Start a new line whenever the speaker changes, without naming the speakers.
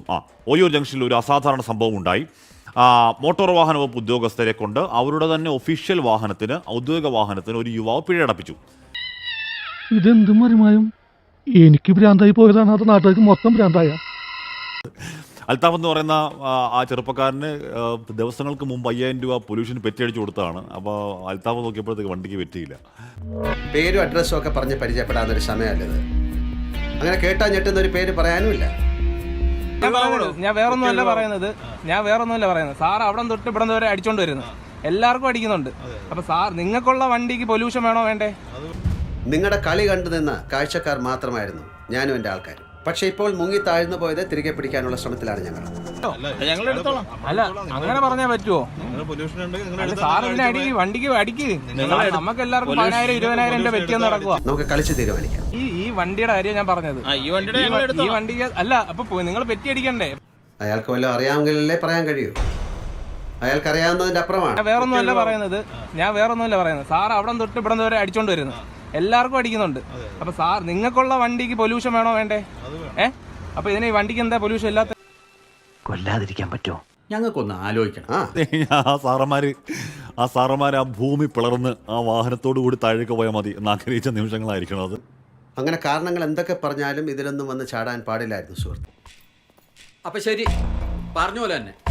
ഓയൂർ ജംഗ്ഷനിൽ ഒരു അസാധാരണ സംഭവം ഉണ്ടായി. മോട്ടോർ വാഹന വകുപ്പ് ഉദ്യോഗസ്ഥരെ കൊണ്ട് അവരുടെ തന്നെ ഒഫീഷ്യൽ വാഹനത്തിന്, ഔദ്യോഗിക വാഹനത്തിന് ഒരു യുവാവ് പിഴയടപ്പിച്ചു.
ഇതെന്തും മറിമായും എനിക്ക് ഭ്രാന്തായി പോയതാണ്, അത് നാട്ടുകാർക്ക് മൊത്തം ഭ്രാന്തായ.
അൽത്താഫ് എന്ന് പറയുന്ന ആ ചെറുപ്പക്കാരന് ദിവസങ്ങൾക്ക് മുമ്പ് 5000 രൂപ പൊല്യൂഷൻ പെറ്റിയടിച്ചു കൊടുത്തതാണ്. അപ്പോൾ അൽത്താഫ് നോക്കിയപ്പോഴത്തേക്ക് വണ്ടിക്ക് പറ്റിയില്ല.
പേരും അഡ്രസ്സും ഒക്കെ പറഞ്ഞ് പരിചയപ്പെടാന്നൊരു സമയമല്ലത്. അങ്ങനെ കേട്ടാ ഞെട്ടുന്ന ഒരു പേര് പറയാനുമില്ല.
ഞാൻ വേറൊന്നുമല്ല പറയുന്നത്. സാർ അവിടെ തൊട്ട് ഇവിടെ വരെ അടിച്ചോണ്ട് വരുന്നത്, എല്ലാവർക്കും അടിക്കുന്നുണ്ട്. അപ്പൊ സാർ, നിങ്ങൾക്കുള്ള വണ്ടിക്ക് പൊല്യൂഷൻ വേണോ വേണ്ടേ? നിങ്ങളുടെ
കളി കണ്ടു നിന്ന കാഴ്ചക്കാർ മാത്രമായിരുന്നു ഞാനും എൻ്റെ ആൾക്കാരും. പക്ഷെ ഇപ്പോൾ മുങ്ങി താഴ്ന്നു പോയത് തിരികെ പിടിക്കാനുള്ള ശ്രമത്തിലാണ് ഞങ്ങൾ.
അല്ല, അങ്ങനെ പറഞ്ഞാൽ പറ്റുമോ? സാർ വണ്ടിക്ക് അടിക്ക്. നമുക്ക് എല്ലാവർക്കും 10,000 20,000 രൂപ പറ്റിയെന്ന് നടക്കുക.
നമുക്ക് കളിച്ച് തീരുമാനിക്കാം.
ഈ വണ്ടിയുടെ കാര്യം ഞാൻ പറഞ്ഞത്. ഈ വണ്ടിക്ക് അല്ല, അപ്പൊ നിങ്ങൾ പെറ്റി അടിക്കണ്ടേ?
അയാൾക്ക് വല്ലതും അറിയാമെങ്കിലല്ലേ പറയാൻ കഴിയൂ. അയാൾക്ക് അറിയാവുന്നതിന്റെ അപ്പുറമാണ്.
ഞാൻ വേറൊന്നുമല്ല പറയുന്നത്. സാർ അവിടെ തൊട്ട് ഇവിടെ വരെ അടിച്ചോണ്ട് വരുന്നത്, എല്ലാവർക്കും അടിക്കുന്നുണ്ട്. അപ്പൊ സാർ, നിങ്ങൾക്കുള്ള വണ്ടിക്ക് പൊല്യൂഷൻ വേണോ വേണ്ടേ? അപ്പൊ ഇതിന് ഈ വണ്ടിക്ക് എന്താ പൊല്യൂഷൻ ഇല്ലാത്ത?
കൊല്ലാതിരിക്കാൻ പറ്റുമോ?
ഞങ്ങൾക്കൊന്ന് ആലോചിക്കണം.
ആ സാറന്മാർ ആ ഭൂമി പിളർന്ന് ആ വാഹനത്തോടു കൂടി താഴേക്ക് പോയാൽ മതി എന്ന് ആഗ്രഹിച്ച നിമിഷങ്ങളായിരിക്കണം അത്.
അങ്ങനെ കാരണങ്ങൾ എന്തൊക്കെ പറഞ്ഞാലും ഇതിലൊന്നും വന്ന് ചാടാൻ പാടില്ലായിരുന്നു സുഹൃത്ത്.
അപ്പൊ ശരി, പറഞ്ഞ പോലെ തന്നെ